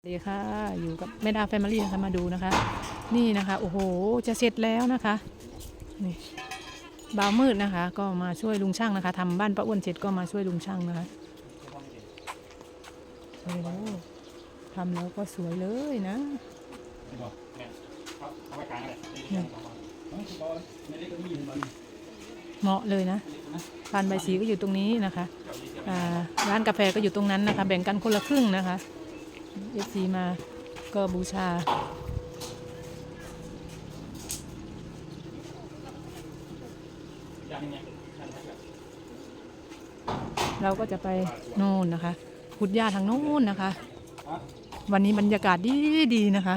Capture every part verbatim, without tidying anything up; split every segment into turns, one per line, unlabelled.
ดีค่ะอยู่กับแม่ดาแฟมิลี่นะคะมาดูนะคะนี่นะคะโอ้โหจะเสร็จแล้วนะคะนี่บ่าวมืดนะคะก็มาช่วยลุงช่างนะคะทำบ้านป้าอ้วนเสร็จก็มาช่วยลุงช่างนะคะโอ้โหทำแล้วก็สวยเลยนะเหมาะเลยนะพานใบสีก็อยู่ตรงนี้นะคะร้านกาแฟก็อยู่ตรงนั้นนะคะแบ่งกันคนละครึ่งนะคะเอฟซีมาก็บูชาเราก็จะไปโน่นนะคะพุทธญาทางโน้นนะคะวันนี้บรรยากาศดีดีนะคะ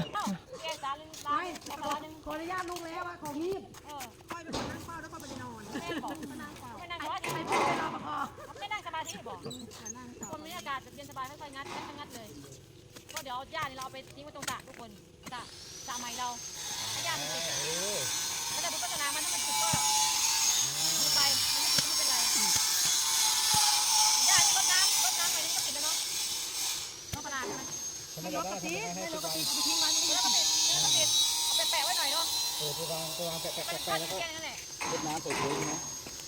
ขออนุญาตลุงแล้วว่าของนี้ค่อยไปนั่งเฝ้าแล้วก็ไปนอนแม่บอกมานั่งเฝ้าไม่นั่งสมาธิไม่ไปรอปภไม่นั่งสมาธิบอกคนบรรยากาศเย็นสบายค่อยๆงัดค่อยๆงัดเลยก็เดี๋ยวหญ้านี่เราเอาไปทิ้งไว้ตรงสระทุกคนสระสระใหม่เราหญ้ามันติดแล้วจะดูพัฒนามันถ้ามันติดก็ดูไปมันไม่ติดไม่เป็นไรหญ้านี่รดน้ำรดน้ำไปนี่ก็ติดแล้วเนาะต้องประดาใช่ไหมไม่รดก็ติดไม่รดก็ติดเอาไปทิ้งไว้ไม่รดก็ติดไม่รดก็ติดเอาไปแปะไว้หน่อยเนาะ
เออไปวางไปวางแปะแปะแปะแปะแล้วก็รดน้ำใส่ถุงนะ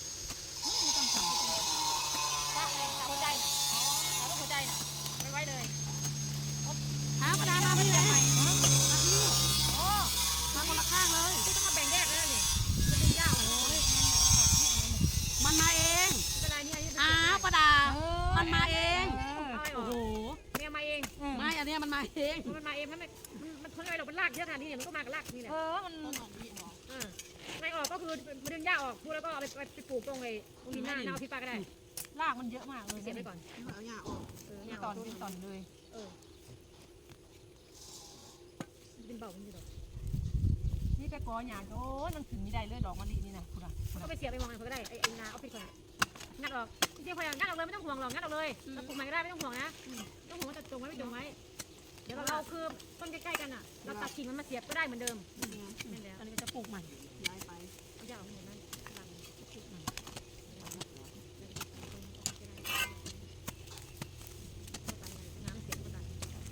สหัวใจน่ะอ๋อหัวใจน่ะไม่ไว้เลยหาประดามาไม่ได้ไหมมาที่โอ้มาคนละข้างเลยที่ต้องมาแบ่งแยกแล้วนี่จะดึงยาวโอ้ยมันมาเองเป็นไรเนี่ยอ้าวประดามันมาเองโอ้โหเนี่ยมาเองไม่อันนี้มันมาเองมันมาเองมันไม่มันทนไม่หรอกมันลากเยอะขนาดนี้เนี่ยมันก็มากับลากนี่แหละเออมันไม่ออกก็คือมันดึงหญ้าออกพูดแล้วก็เอาไปไปปลูกตรงไอ้ตรงดินหน้าหน้าพี่ป้าก็ได้รากมันเยอะมากเลยเสียบไปก่อนเอาหญ้าออกเป็นตอนเป็นตอนเลยเออเป็นเบาเป็นยี่ดอกนี่แต่กอหยาดโอ้ยมันถึงไม่ได้เลยดอกมะลินี่นะคุณอ่ะก็ไปเสียบไปมองอะไรก็ได้ไอ้ไอ้นาเอาไปก่อนงัดออกจริงๆพยายามงัดออกเลยไม่ต้องห่วงหรอกงัดออกเลยเราปลูกใหม่ก็ได้ไม่ต้องห่วงนะต้องห่วงว่าจะจงไว้ไม่จงไว้เดี๋ยวเราคือต้นใกล้ๆกันอ่ะเราตัดกิ่งมันมาเสียบก็ได้เหมือนเดิมนี่แหละอันนี้ก็จะปลูกใหม่ย้ายไปเอาหญ้าออกหมดนั่นหลังปลูกใหม่น้ำเสียบก็ได้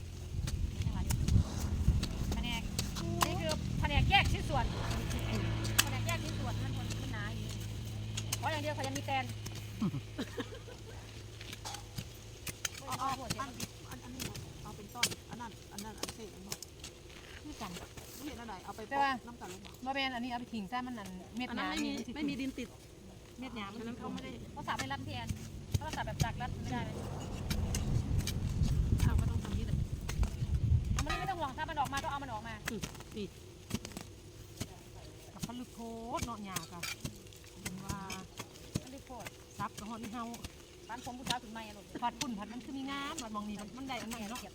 แผนกนี่คือแผนกแยกชิ้นส่วนแผนกแยกชิ้นส่วนมันมันมันหนาอยู่เพราะอย่างเดียวเขายังมีแตนเอาเอาหัวเสียบอันอันนี้เอาเป็นต้นอันนั้นอันนั้นอันเศษอันบอกนี่กันนี่เห็นอะไรเอาไปปอกน้ำตาลลงมา
เป็นอันนี้เอาไปทิ้งซะมันนั่นเม็ดหนาไม่มี
ไม่มีดินติดเม็ดหนามันเขาไม่ได้เขาสับไปรับแทนเขาสับแบบจักรัดไม่ได้เลยเอาก็ต้องทำนี้เลยมันไม่ต้องห่วงถ้ามันออกมาก็เอามันออกมานี่กับผลึกโคตรเนาะหยาค่ะเป็นว่าผลึกโคตรซับกับหอนี่เฮาบ้านผมผู้ชายถึงไม่อะลูกผัดปุ่นผัดมันคือมีงามผัดมองนี่มันได้อันนี้เนาะ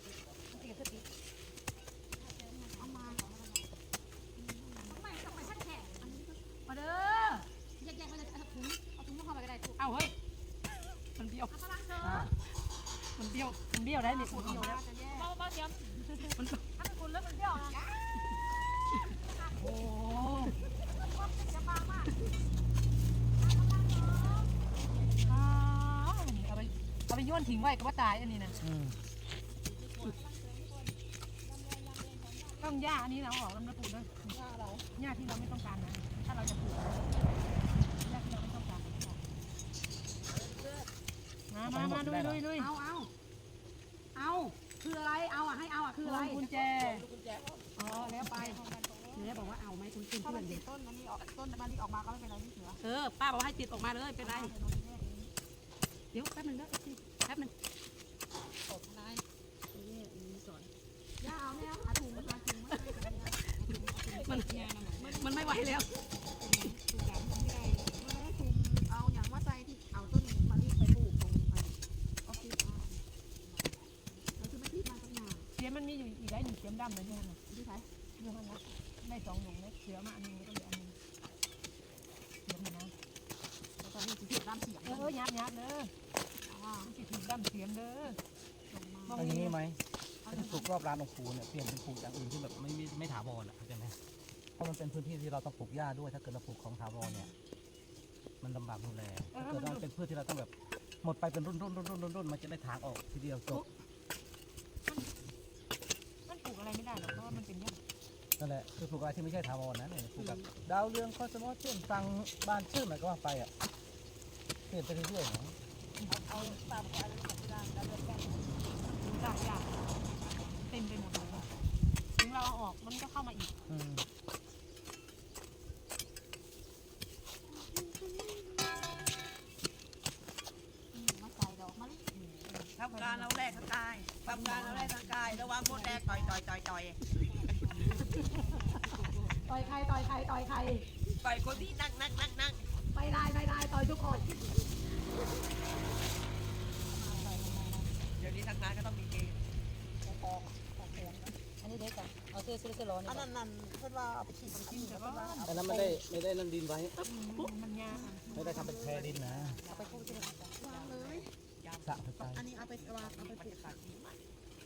มาเด้อแยกๆมาเลยเอาถุงเอาถุงเข้าไปก็ได้เอาเฮ้ยมันเบี้ยวมันเบี้ยวมันเบี้ยวได้เนี่ยมันเบี้ยวแล้วเบาเบาเสียมมันถ้าเป็นคุณแล้วมันเบี้ยวนะโอ้จะบางมากเอาไปเอาไปโยนทิ้งไว้ก็ว่าตายอันนี้นะต้องหญ้าอันนี้เราออกแล้วนะปลูกด้วยหญ้าเราหญ้าที่เราไม่ต้องการนะถ้าเราจะปลูกหญ้าที่เราไม่ต้องการมามามาลุยลุยลุยเอาเอาเอาคืออะไรเอาอ่ะให้เอาอ่ะคืออะไรกุญแจอ๋อแล้วไปเนี่ยบอกว่าเอาไหมคุณคุณเพื่อนต้นมันนี่ออกต้นมันนี่ออกมาก็ไม่เป็นไรนี่เสือเออป้าบอกให้ติดออกมาเลยเป็นไรเดี๋ยวแป๊บนึงนะแป๊บนึงตกนายนี่มีสอนย่าเอาเนี่ยเอาถุงมาถุงมามันมันไม่ไหวแล้วเอาอย่างว่าใจที่เอาต้นมะลิไปปลูกตรงออฟฟิศแล้วคือมันที่มาตั้งนานเสียมันมีอยู่อีกได้หนึ่งเสียมดำเลยที่นั่นน่ะที่ไหนที่นั่นนะได้สองหนุ่มเนี่ยเสียมาอันนึงแล้วก็เหลืออันนึงเสียมนะแล้วก็นี่สีดำเสียมเออยับยับเด้อสีดำเสียมเด้อ
อันนี้ไหมถ้าปลูกรอบร้านองค์ปู่เนี่ยเปลี่ยนเป็นปลูกอย่างอื่นที่แบบไม่ไม่ถาวรอ่ะเข้าใจไหมเพราะมันเป็นพื้นที่ที่เราต้องปลูกหญ้าด้วยถ้าเกิดเราปลูกของถาวรเนี่ยมันลำบากดูแลถ้าเกิดเราเป็นพืชที่เราต้องแบบหมดไปเป็นรุ่นรุ่นรุ่นรุ่นรุ่นมันจะได้ถางออกทีเดียวจบ
ไม่ได้หรอกเพราะว่ามันเป็นหญ้า
นั่นแหละคือปลูกอะไรที่ไม่ใช่ถาวรนะเนี่ยปลูกแบบดาวเรืองคอสโมอเช่นฟังบ้านชื่อมันก็ว่าไปอ่ะเปลี่ยนไปเรื่อยๆเนาะ
เอาตามอะไรของที่ร้านแล้วเดินแก้หลายอย่างเต็มไปหมดเลยถึงเราเอาออกมันก็เข้ามาอีก
อืม
มาใส่ดอกมะลิ
ทำการเราแรกทางกายทำการเราแรกทางกายระวังมดแดงต่อยต่อยต่อยต่อย
ต่อยใครต่อยใครต่อยใคร
ต่อยคนที่นั่งนั่งนั่งนั่ง
ไม่ได้ไม่ได้ต่อยทุกคน
เดี๋ยวนี้ทางนั้นก็ต้องมีเกม
อันนี้เด็กอ่ะเอาเสื้อเสื้อเสื้อร้อน
อันนั้นนั่นเพื่อนว่าเอาไปฉีดมันกินแต่ว่า
แต่นั้นไม่ได้ไม่ได้นั่นดินไว้
มันยา
ไม่ได้ทำเป็นแพรดินนะ
เอาไปพูดที่ไหน
วางเลย
สระเข้าไป
อันนี้เอาไปวางเอาไปปลูกขาดดีมาก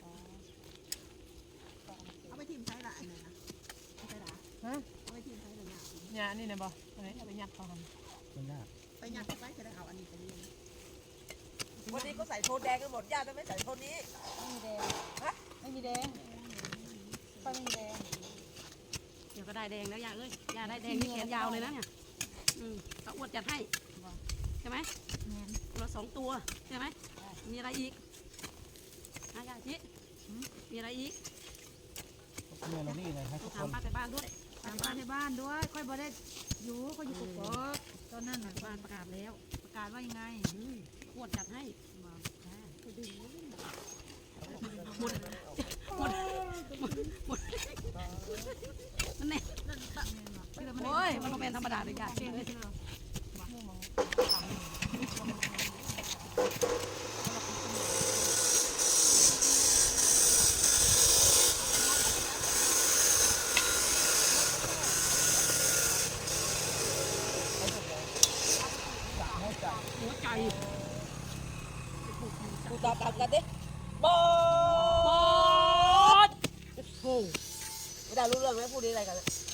เอาไปทิมใช้ละอันนั้นนะใช้ละ
ฮะ
เอาไปทิมใช้ละเนี่ย
ยานี่นะบออันนี้เอาไปยัดเขาท
ไม่น่า
ไปยัดไปจะได้เอาอันนี้ไปเลี้ยงวันนี้ก็ใส่โทนแดงกันหมดญาติไม่ใส่โทนนี้
ไม่มีแดงไม่มีแดงไปไม่มีแดง
เดี๋ยวก็ได้แดงแล้วยาเอ้ยยาได้แดงนี่แขนยาวเลยนะเนี่ยอืมตาอ้วนจัดให้ใช่ไหมเราสองตัวใช่ไหมมีอะไรอีกอายาชิมีอะไรอีก
เมื่อเรานี่ไงให้
ต้
ทุ
อง
กค
ถาม
น
ป้าแต่บ้านด้วย
ตามบ้านในบ้านด้วยค่อยบ่ได้อยู่ก็อยู่กับพ่อตอนนั้น
ป้าแต่บ้านประกาศแล้ว
ประกาศว่ายังไง
อืมอ้วนจัดให้บอกอ่าไปดึงหมดหมดหมดหมดนั่นแน่โอ้ยมันก็เป็นธรรมดาเลยยาเช่นเลย หัวใจ
กูตาตัดกันดิบอ
ปอ
ด
ดโอ้
ไม่ได้รู้เรื่องไหมพูดอะไรกัน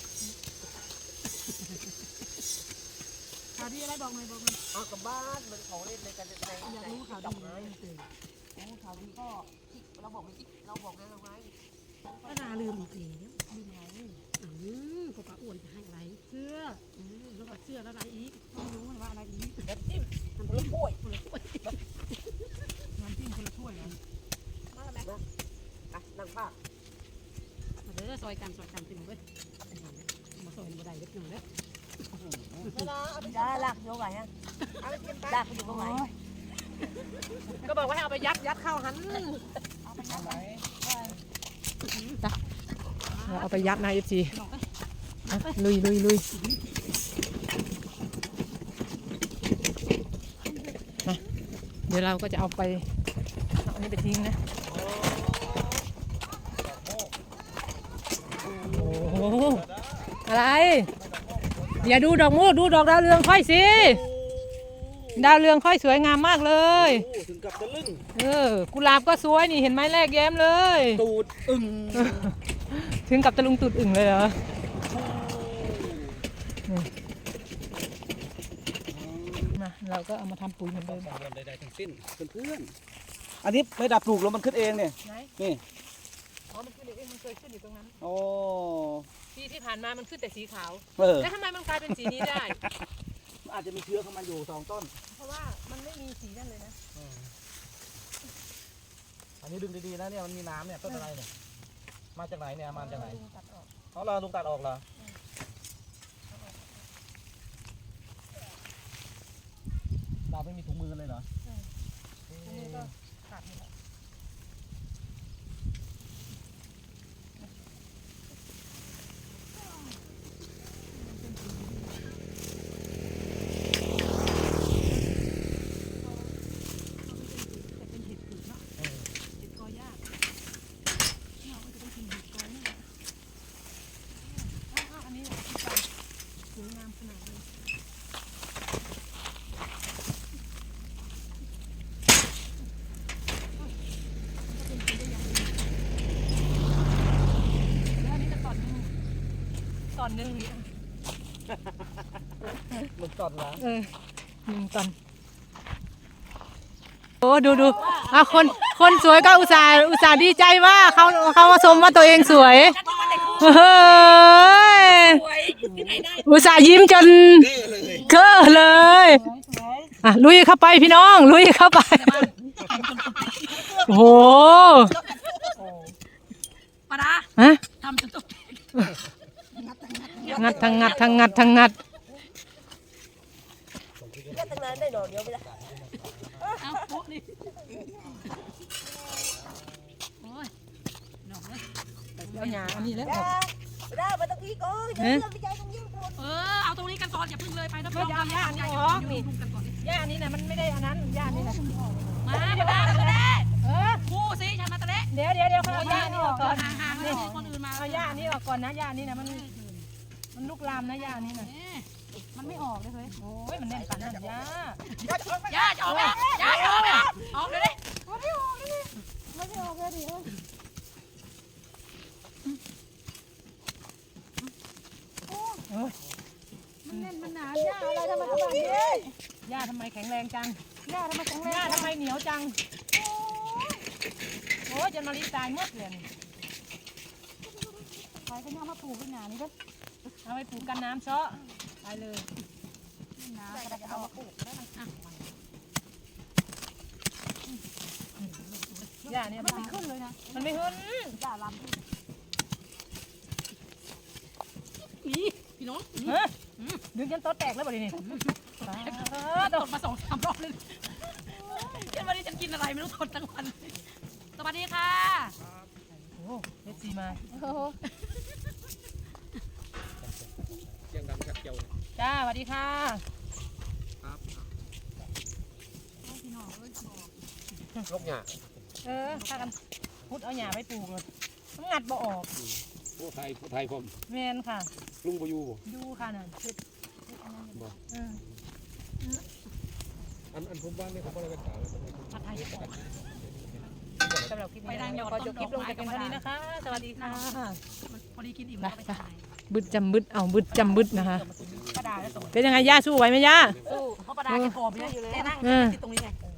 ข่าวดีอะไรบอกหน่อยบอกหน่อย
เอากลับบ้านมันของเล่นในกันใน
อยากรู้ข่าว
จับ
ดี
ไม้โอ้ข่าวดีก็เราบอกไม่เราบอกไงเราไง
ก็น่าลืมอีกแล้วลืมอะไรอืมพวกป้าอ้วนจะให้อะไร
เสื้อ
อืมแล้วก็เสื้อแล้วอะไรอีก
ไม่รู้ว่าอะไรอีก
น้ำจิ้มคนละถ้วย
คนละถ้วย
น้ำจิ้มคนละถ้วยเหรอ
มาแล้วไหมอ่ะนั่งภาค
มาเด้อซอยกันซอยกันติมเว้ยมาซอยมาได้เล็กหนึ่งเด้อ
ไม่นะเอาไปได้หลักโยกไงฮะเอาไปกินหลักอยู่ตรงไหน
ก็บอกว่าให้เอาไปยัดยัดเข้าหันเอาไปยัดนะเอฟซีลุยลุยลุยมาเดี๋ยวเราก็จะเอาไปเอาอันนี้ไปทิ้งนะโอ้โหอะไรอย่าดูดอกมูกดูดอกดาวเรืองค่อยสิดาวเรืองค่อยสวยงามมากเลย
โอ้ถึงกับตะลึง
เออกุหลาบก็สวยนี่เห็นไหมแรกแย้มเลย
ตูดอึ่ง
ถึงกับตะลุงตุดอึ่งเลยเหรอมาเราก็เอามาทำปุ๋ยเหมือน
ต้
เดิ
อง
ม
กังวลใดๆทั้งสิ้นเพื่อนๆอันนี้ไม่ดับปลูกแล้วมันขึ้นเองเนี่ย
ไหน
นี่
อ๋อมันขึ้นเองมันเคยขึ้นอยู่ตรงนั้น
โอ้
ปีที่ผ่านมามันขึ้นแต่สีขาว
เออ
แล้วทำไมมันกลายเป็นสีนี้ได้
อาจจะมีเชื้อของมันอยู่สองต้น
เพราะว่ามันไม่มีสีนั่นเลยนะ
อันนี้ดึงดีๆนะเนี่ยมันมีน้ำเนี่ยต้นอะไรเนี่ยมาจากไหนเนี่ยมาจากไหน
ลุงตัดออก
เขาเราลุงตัดออกเหรอเราไม่มีถุงมือเลยเหรอ
อันนี้ก็ขาดหมดแล้วเป็นเห็ดผืนเนาะเห็ดกอยากเราก็จะต้องกินเห็ดกอยนี่แหละอ้าวอันนี้ที่ใส่สวยงามขนาดเลยแล้วอันนี้จะตอนหนึงตอนหนึง
มันตอนละ
เออหนึ่งตอนโอ้ดูดูอ่ะคนคนสวยก็อุตส่าห์อุตส่าห์ดีใจว่าเขาเขาชมว่าตัวเองสวยเฮ้ยอุตส่าห์ยิ้มจนเก้อเลยอ่ะลุยเข้าไปพี่น้องลุยเข้าไปโอ้โห
ปาดา
ฮะ
ทำจนตก
งัดทั้งงัดทั้งงัดทั้งงัด
แค่ตั้งนานได้หน่อเดียวไปละ
เอาโป๊ะนี่โอ้ยหนอกเลย
เอาหยาอันนี้แล้ว
ย่าได้มาตะกี้ก็อย่าเลื่อนไปใจตรงนี้ปวด
เออเอาตรงนี้กันก่อนอย่าพึ่งเลยไปนะพี่น้อง
เอาย่านี่ออกนี่
กันก่อนดิ
ย่านี่นะมันไม่ได้อันนั้นย่านี่นะ
มาปาดาตะเละ
เออ
คู่สิฉันมาตะเละ
เดี๋ยวเดี๋ยวเดี๋ยวเอาย่านี่ออกก่อน
ห่างๆให้คนอื่นมา
เอาย่านี่ออกก่อนนะย่านี่นะมันมันลุกลามนะย่านี่นะ
มันไม่ออกเลยเฮ้ย
โอ้ยมันแน่นปานนั้นย่า
ย่าจะออกไหมย่าจะออกไหมออกเลยดิ
มันแน่นมันหนาย่าอะไรทำไมทำแบบนี้ย่าทำไมแข็งแรงจังย่าทำไมแข็งแรงย่าทำไมเหนียวจังโอ้ยจนมาลีตายหมดเลยนี่
ใครก็ยังมาปลูกเป็นหนานี่ก็
เอาไปปลูกกันน้ำเชาะไปเลย
หนาก็จะเอามาปลูกได้มันอ่ะ
ย่าเนี่ยมัน
ไม่ขึ้นเลยนะ
มันไม่ขึ้น
ย่าลำนี่พี่น้อง
ฮะดึงจนโต๊ะแตกแล้วบ่ดินี่
ตกมาสองสามรอบเลยเดี๋ยววันนี้ฉันกินอะไรไม่รู้ทนทั้งวันสวัสดีค่ะ
โอ้เอฟซีมา
เสียงดังกัดเกี่ยว
จ้าสวัสดีค่ะ
ลกหยา
เออถ้ากันพุดเอาหญ้าไปปลูกเลยมันงัดบ่ออก
ผู้ไทยผู้ไทยผม
แมนค่ะ
ลุงบอยู
ดูค่ะนั่นพุดเออ
อันอันผมว่าเนี่ยเขาบอกอะไรกันต่าง
ผัดไทยจะบอก
สำหรับคลิปนี้ขอจบคลิปลงแต่เพียงเท่านี้นะคะ สวัสดีค่ะ
พอดีกินอิ่มแล้วไปถ่าย
บึดจำบึดเอาบึดจำบึดนะคะ
กระดาษแล้วส่ง
เป็นยังไงย่าสู้ไหวไหมย่า
สู้เพราะประดาแกผอมเยอะอยู่เลยนั่ง
เออ
ติดตรงนี้ไง
เอ